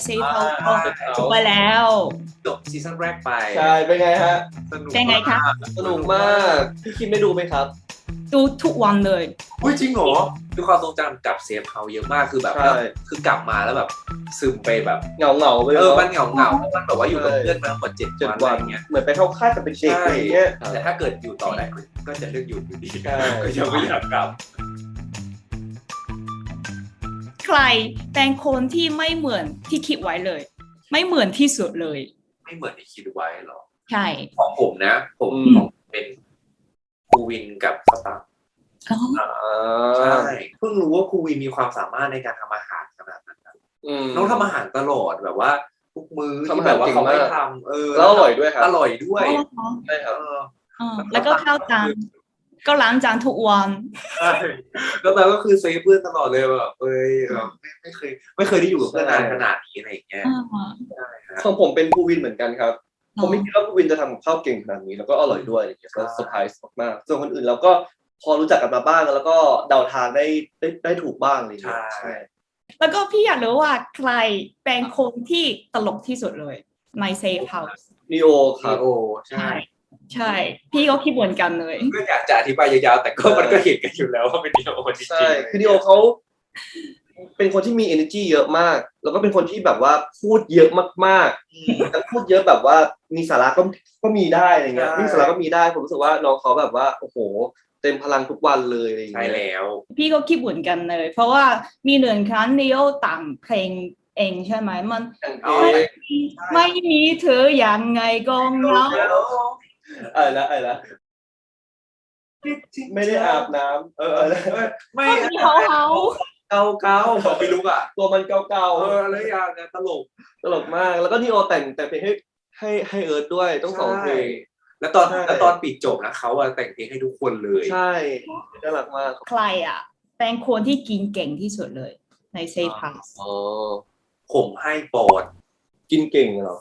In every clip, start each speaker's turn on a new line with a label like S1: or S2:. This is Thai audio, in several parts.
S1: เซฟเขาก็จบไปแล้ว
S2: จบซีซั่นแรกไป
S3: ใช่เป็นไงฮะ
S2: สนุก
S1: เป็นไงคะ
S3: สนุกมากพี่คิมได้ดูไหมครับ
S1: ดูทุกวันเลย
S2: อุ้ยจริงเหรอมีความทรงจำกับเซฟเฮาเยอะมากคือแบบคือกลับมาแล้วแบบซึมไปแบบ
S3: เหงาไป
S2: มันเหงามันแบบว่าอยู่กับเพื่อนมาทั้งหมด7 วันอะไรเงี้ย
S3: เหมือนไปเข้าค่ายกับเป็นเด็กอะไรเงี้ย
S2: แต่ถ้าเกิดอยู่ต่อได้ก็จะเลือกอยู่ดีก็ยังไม่อยากกลับ
S1: ใครเป็นคนที่ไม่เหมือนที่คิดไว้เลยไม่เหมือนที่สุดเลย
S2: ไม่เหมือนที่คิดไว้หรอ
S1: ใช่
S2: ของผมนะผมเป็นภูวินกับสตาร์ใช่เพิ่งรู้ว่าภูวินมีความสามารถในการทำอาหารขนาดนั้นน้องทำอาหารตลอดแบบว่าทุกมื้อที่แบบว่าเขาไม่ทำ
S3: แล้วอร่อยด้วยครับ
S2: อร่อยด้วย
S3: ใช่ครับ
S1: แล้วก็ข้าวจานก็ล้างจานทุกวัน
S2: ใช่แล้วเราก็คือเซฟเพื่อนตลอดเลยแบบไม่เคยได้อยู่กับเพื่อนนานขนาดนี้อะไรอย่างเงี้ย
S3: ของผมเป็นภูวินเหมือนกันครับผมไม่คิดว่าภูวินจะทำกับข้าวเก่งขนาดนี้แล้วก็อร่อยด้วยก็เซอร์ไพรส์มากๆส่วนคนอื่นเราก็พอรู้จักกันมาบ้างแล้วก็เดาทางได้ถูกบ้างอะไรอย่างเงี้ยใช่
S1: แล้วก็พี่อยากรู้ว่าใครเป็นคนที่ตลกที่สุดเลยในเซฟเฮาส์
S3: นีโอครับ
S1: ใช่พี่ก็คิดเหมือนกันเลย
S2: ก็อยากจะอธิบายยาวๆแต่ก็มันก็เห็นกันอยู่แล้วว่าเป็นนีโอจริงๆ
S3: ใช่คือนีโอเขาเป็นคนที่มี energy เยอะมากแล้วก็เป็นคนที่แบบว่าพูดเยอะมากๆแต่พูดเยอะแบบว่ามีสาระก็มีได้อะไรเงี้ยมีสาระก็มีได้ผมรู้สึกว่าน้องเขาแบบว่าโอ้โหเต็มพลังทุกวันเลยอะไรเงี้ย
S2: ใช่แล้ว
S1: พี่ก็คิดเหมือนกันเลยเพราะว่ามีหนึ่งครั้งนีโอต่างเพลงเองใช่ไหมมันไม่มีเธออย่างไงก็เหงา
S3: อะไรไม่ได้อาบน้ำ
S1: ไม่เขา
S2: เก่าบอกไม่รู้อ่ะ
S3: ตัวมันเก่า
S2: อะไรอย่างเงี้ยต
S3: ลกมากแล้วก็นีโอแต่งเพลงให้เอิร์ธด้วยต้อง2เพลง
S2: แล้วตอนปิดจบนะเขาแต่งเพลงให้ทุกคนเลย
S3: ใช่น่ารักมาก
S1: ใครอ่ะเป็นคนที่กินเก่งที่สุดเลยในเซฟเฮาส์
S2: ผมให้ปอน
S3: กินเก่งเหรอ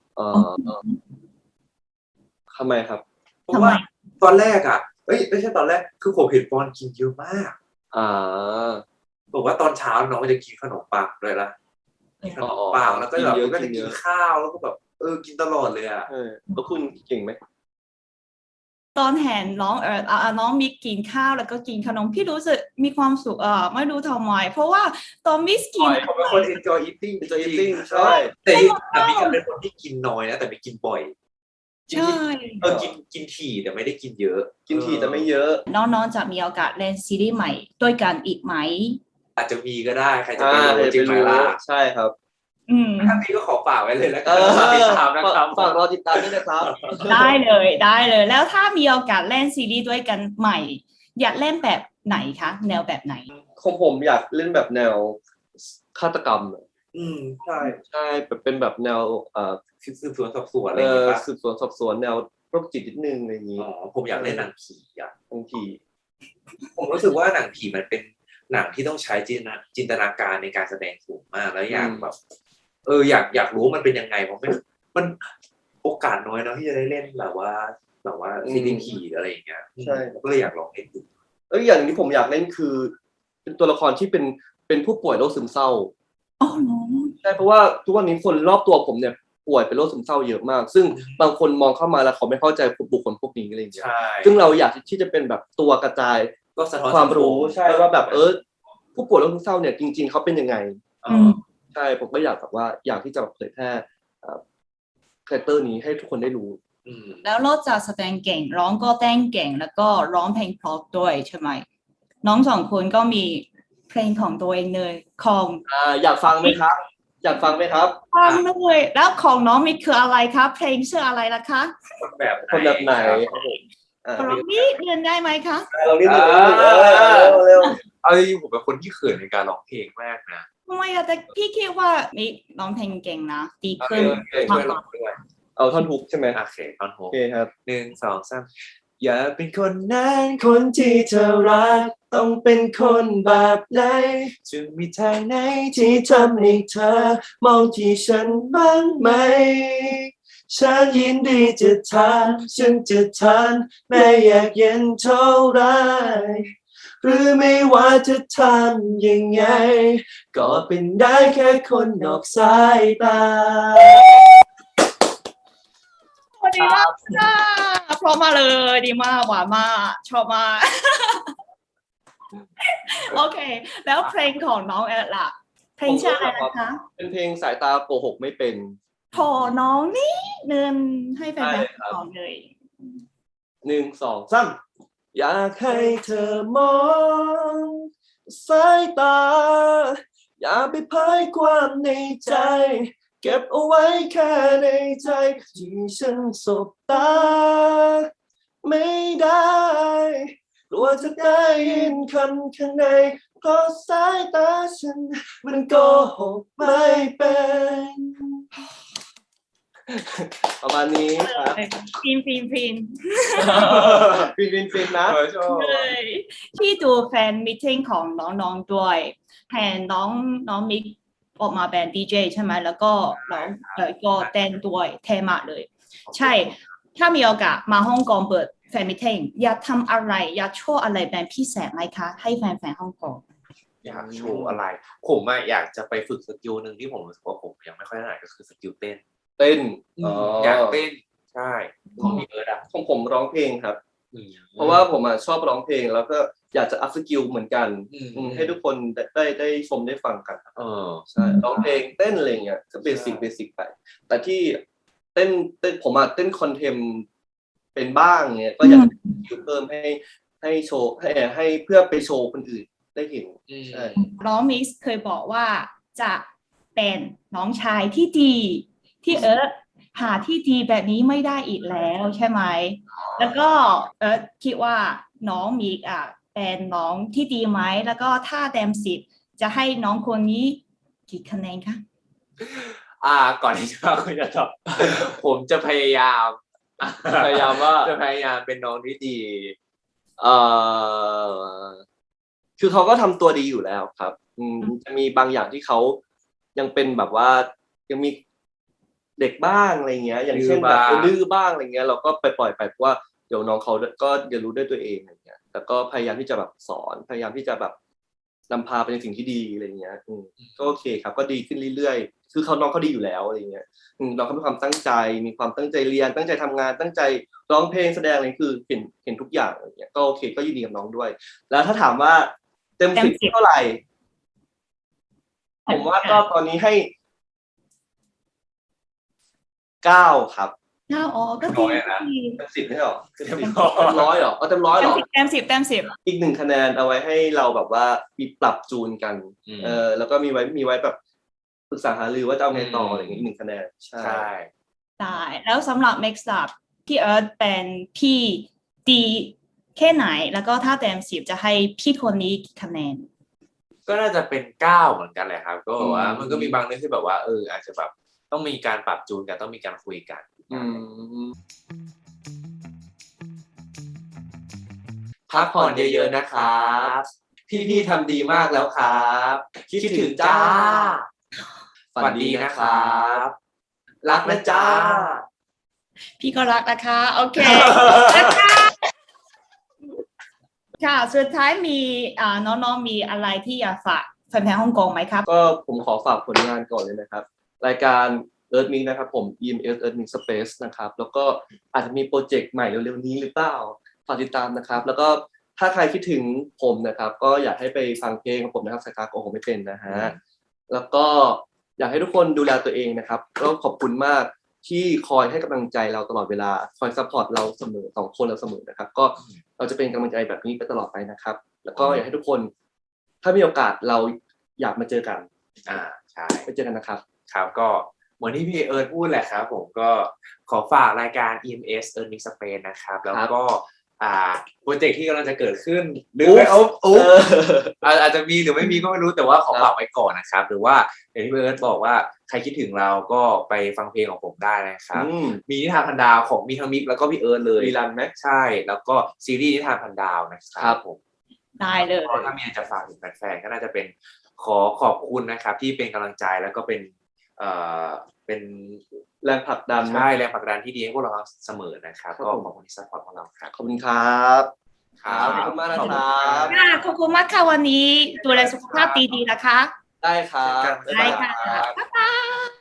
S3: ทำไมครับ
S2: เพราะว่าตอนแรกอ่ะไม่ใช่ตอนแรกคือผมเห็นปอนกินเยอะมากบอกว่าตอนเช้าน้องจะกินขนมปังด้วยละกินขนมปังแล้วก็แบบก็จะกินข้าวแล้วก็แบบกินตลอดเลยอ่ะ
S3: แล้วคุณเก่งไหม
S1: ตอนเห็นน้องมิกกินข้าวแล้วก็กินขนมพี่รู้สึกมีความสุขไม่รู้ทำไมเพราะว่าตอนมิกกิน
S2: ผมเป็นคน enjoy eating ใช่แต่มิกเป็นคนที่กินน้อยนะแต่ไม่กินบ่อย
S1: ใช่
S2: กินถี่แต่ไม่ได้กินเยอะ
S3: กินถี่แต่ไม่เยอะ
S1: น้องๆจะมีโอกาสเล่นซีรีส์ใหม่ด้วยกันอีกไหม
S2: อาจจะมีก็ได้ใครจะไปรู้จริงไหมล่ะ
S3: ใช่ครับ
S2: ถ้ามีก็ขอฝากไว้เลยแล้วกันติดตามนะครับ
S3: ฝากรอติดตามด้วยนะครับ
S1: ได้เลยแล้วถ้ามีโอกาสเล่นซีรีส์ด้วยกันใหม่อยากเล่นแบบไหนคะแนวแบบไหน
S3: ของผมอยากเล่นแบบแนวฆาตกรรมใช่เป็นแบบแนว
S2: สืบสวนสอบสวนอะไรอย่างเงี้ย
S3: สืบสวนสอบสวนแนวโรคจิตนิดนึงอะไรอย่างงี้
S2: ผมอยากเล่นหนังผี
S3: บางที
S2: ผมรู้สึกว่าหนังผีมันเป็นหนังที่ต้องใช้จินตนาการในการแสดงสูงมากแล้วอยากแบบอยากรู้มันเป็นยังไงเพราะมันโอกาสน้อยนะที่จะได้เล่นแบบว่าซีรีส์ผีอะไรอย่างเงี้ย
S3: ใช่
S2: ก็เลยอยากลองเล่นดู
S3: อย่างที่ผมอยากเล่นคือเป็นตัวละครที่เป็นผู้ป่วยโรคซึมเศร้าใช่เพราะว่าทุกวันนี้คนรอบตัวผมเนี่ยป่วยเป็นโรคซึมเศร้าเยอะมากซึ่งบางคนมองเข้ามาแล้วเขาไม่เข้าใจบุคคลพวกนี้อะไรอย่างเงี้ยซึ่งเราอยากที่จะเป็นแบบตัวกระจายความรู้ใช่ว่าแบบผู้ป่วยโรคซึมเศร้าเนี่ยจริงๆเขาเป็นยังไงใช่ผมก็อยากแบบว่าอยากที่จะเผยแพร่คาแรคเตอร์นี้ให้ทุกคนได้รู้
S1: แล้วนอกจากแสดงเก่งร้องก็เต้นเก่งแล้วก็ร้องเพลงเพราะด้วยใช่ไหมน้อง2คนก็มีเพลงของตัวเองเลยของ
S3: อยากฟังไหมครับฟัง
S1: เลยแล้วของน้องมีคืออะไรครับเพลงชื่ออะไรล่ะคะ
S3: คนแบบไหน
S1: ร้องนี้เรียนได้ไหมคะ
S3: เราเร็ว
S2: ผมเป็นคนที่เขินในการร้องเพลงมากนะ
S1: ทำไมแต่พี่คิดว่ามีร้องเพลงเก่งนะดีขึ้น
S2: มาก
S3: เอาท่อนฮุกใช่ไหม
S2: โอเคท่อนฮุก
S3: ครับ
S2: 1 2 3อย่าเป็นคนนั้นคนที่เธอรักต้องเป็นคนแบบไหนจะมีทางไหนที่ทำให้เธอมองที่ฉันบ้างไหมฉันยินดีจะทำฉันจะทำแม้อยากเย็นเท่าไรหรือไม่ว่าจะทำยังไงก็เป็นได้แค่คนนอกสายตา
S1: ดีมากค่ะเพราะมาเลยดีมากหวานมากชอบมาก โอเค แล้วเพลงของน้องแอดล่ะเพลงชื่ออะไรนะคะ
S3: เป็นเพลงสายตาโกหกไม่เป็น
S1: ขอน้องนี่เดินให้แฟนๆก่อนเลย
S3: 1 2 3อยากให้เธอมองสายตา อย่าไปเผยความในใจ เก็บเอาไว้แค่ในใจที่ฉันสบตา ไม่ได้กลัวจะได้ยินคำข้างในเพราะสายตาฉันมันโกหกไม่เป็น ประมาณนี้ครับ
S1: ฟินฟินฟิน
S3: ฟินนะ
S1: เลยที่ดูแฟนมิทติ้งของน้องๆด้วยแทนน้องมิกออกมาเป็นดีเจใช่ไหมแล้วก็ร้องก็เต้นด้วยเทมากเลย ใช่ ถ้ามีโอกาสมาฮ่องกงเปิดแฟนมิทติ้งอยากทำอะไรอยากโชว์อะไรเป็นพิเศษไหมคะ ให้แฟนๆฮ่องกง
S4: อยากโชว์อะไร ผมอยากจะไปฝึกสกิลหนึ่งที่ผมรู้สึกว่าผมยังไม่ค่อยถนัดก็คือสกิลเต้น
S3: เต้น
S4: อยากเต้นใช่ของพี่เอิร์ธอะ
S3: ของผมร้องเพลงครับ เพราะว่าผมชอบร้องเพลงแล้วก็อยากจะอัพสกิลเหมือนกันให้ทุกคนได้ชมได้ฟังกันครับใช่ร้องเพลงเต้นอะไรเงี้ยก็เบสิกไปแต่ที่เต้นผมเต้นคอนเทมเป็นบ้างเงี้ยก็อยากจะสกิลเพิ่มให้โชว์ให้เพื่อไปโชว์คนอื่นได้เห็นใช่
S1: น้องมิกเคยบอกว่าจะเป็นน้องชายที่ดี ที่หาที่ดีแบบนี้ไม่ได้อีกแล้วใช่ไหม แล้วก็คิดว่าน้องมิกเป็นน้องที่ดีไหมแล้วก็ถ้าเต็ม10จะให้น้องคนนี้กี่คะแนนคะ
S4: ก่อนที่จะคุยจะตอบผมจะพยายาม
S3: ว่า
S4: จะพยายามเป็นน้องที่ดี
S3: คือเขาก็ทำตัวดีอยู่แล้วครับจะมีบางอย่างที่เขายังเป็นแบบว่ายังมีเด็กบ้างอะไรเงี้ย อย่างเช่นแบบดื้อบ้างอะไรเงี้ยเราก็ไปปล่อยไปเพราะว่าเดี๋ยวน้องเขาก็เรียนรู้ด้วยตัวเองอะไรเงี้ยแต่ก็พยายามที่จะแบบสอนพยายามที่จะแบบนำพาไปในสิ่งที่ดีอะไรเงี้ยก็โอเคครับก็ดีขึ้นเรื่อยๆคือน้องเขาดีอยู่แล้วอะไรเงี้ยน้องเขามีความตั้งใจมีความตั้งใจเรียนตั้งใจทำงานตั้งใจร้องเพลงแสดงอะไรคือเห็นทุกอย่างอะไรเงี้ยก็โอเคก็ยินดีกับน้องด้วยแล้วถ้าถามว่าเต็ม10เท่าไหร่ผมว่าก็ตอนนี้ให้9ครับ
S1: ก็ดี
S3: เต็ม10ไม่ใช่หรอเต็ม100หรอเต็ม100หรอ
S1: เต็ม10
S3: อีก1คะแนนเอาไว้ให้เราแบบว่ามีปรับจูนกันแล้วก็มีไว้แบบปรึกษาหารือว่าจะเอาไงต่ออะไรอย่างเงี้ยอีก1คะแนนใช่
S1: ได้แล้วสำหรับ Next Up พี่เอิร์ธเป็นพี่ดีแค่ไหนแล้วก็ถ้าเต็ม10จะให้พี่คนนี้กี่คะแนน
S4: ก็น่าจะเป็น9เหมือนกันแหละครับก็แบบว่ามันก็มีบางเรื่องที่แบบว่าอาจจะแบบต้องมีการปรับจูนกันต้องมีการคุยกันพักผ่อนเยอะๆนะครับพี่ๆทำดีมากแล้วครับคิดถึงจ้าฝันดีนะครับรักนะจ้า
S1: พี่ก็รักนะคะโอเค ค่ะสุดท้ายมีน้องๆมีอะไรที่อยากฝากแฟนๆฮ่องกงไหมครับ
S3: ก็ผมขอฝากผลงานก่อนเลยนะครับรายการ Earth Mix นะครับผม EMS Earth Mix Space นะครับแล้วก็อาจจะมีโปรเจกต์ใหม่เร็วๆนี้หรือเปล่าฝากติดตามนะครับแล้วก็ถ้าใครคิดถึงผมนะครับก็อยากให้ไปฟังเพลงของผมนะครับสายตาโกหกไม่เป็นนะฮะแล้วก็อยากให้ทุกคนดูแลตัวเองนะครับแล้วขอบคุณมากที่คอยให้กำลังใจเราตลอดเวลาคอยซัพพอร์ตเราเสมอ2คนเราเสมอนะครับก็เราจะเป็นกำลังใจแบบนี้ไปตลอดไปนะครับแล้วก็อยากให้ทุกคนถ้ามีโอกาสเราอยากมาเจอกัน
S4: ใช่
S3: ไปเจอกันนะครับ
S4: ครับก็เหมือนที่พี่เอิร์ธพูดแหละครับผมก็ขอฝากรายการ EMS Earth Mix Space นะครับแล้วก็โปรเจกต์ที่กำลังจะเกิดขึ้นหรืออาจจะมีหรือไม่มีก็ไม่รู้แต่ว่าขอฝากไว้ก่อนนะครับหรือว่าอย่างที่พี่เอิร์ธบอกว่าใครคิดถึงเราก็ไปฟังเพลงของผมได้นะครับมีนิทานพันดาวของมีทั้งมิกแล้วก็พี่เอิร์ธเลย
S3: มีรันไหม
S4: ใช่แล้วก็ซีรีส์นิทานพันดาวนะครับผม
S1: ได้เลย
S4: ถ้ามีจะฝากถึงแฟนๆก็น่าจะเป็นขอบคุณนะครับที่เป็นกำลังใจแล้วก็เป็น
S3: แรงผลักดัน
S4: ใช่แรงผลักดันที่ดีให้พวกเราเสมอนะครับก็ขอบคุณที่ซัพพอร์ตพวกเราครับ
S3: ขอบคุณครับครับขอบคุณมากนะครับ
S1: ค่ะขอบคุณมากค่ะวันนี้ดูแลสุขภาพดีๆนะคะ
S3: ได้ครับ
S1: ได้ค่ะบ๊ายบาย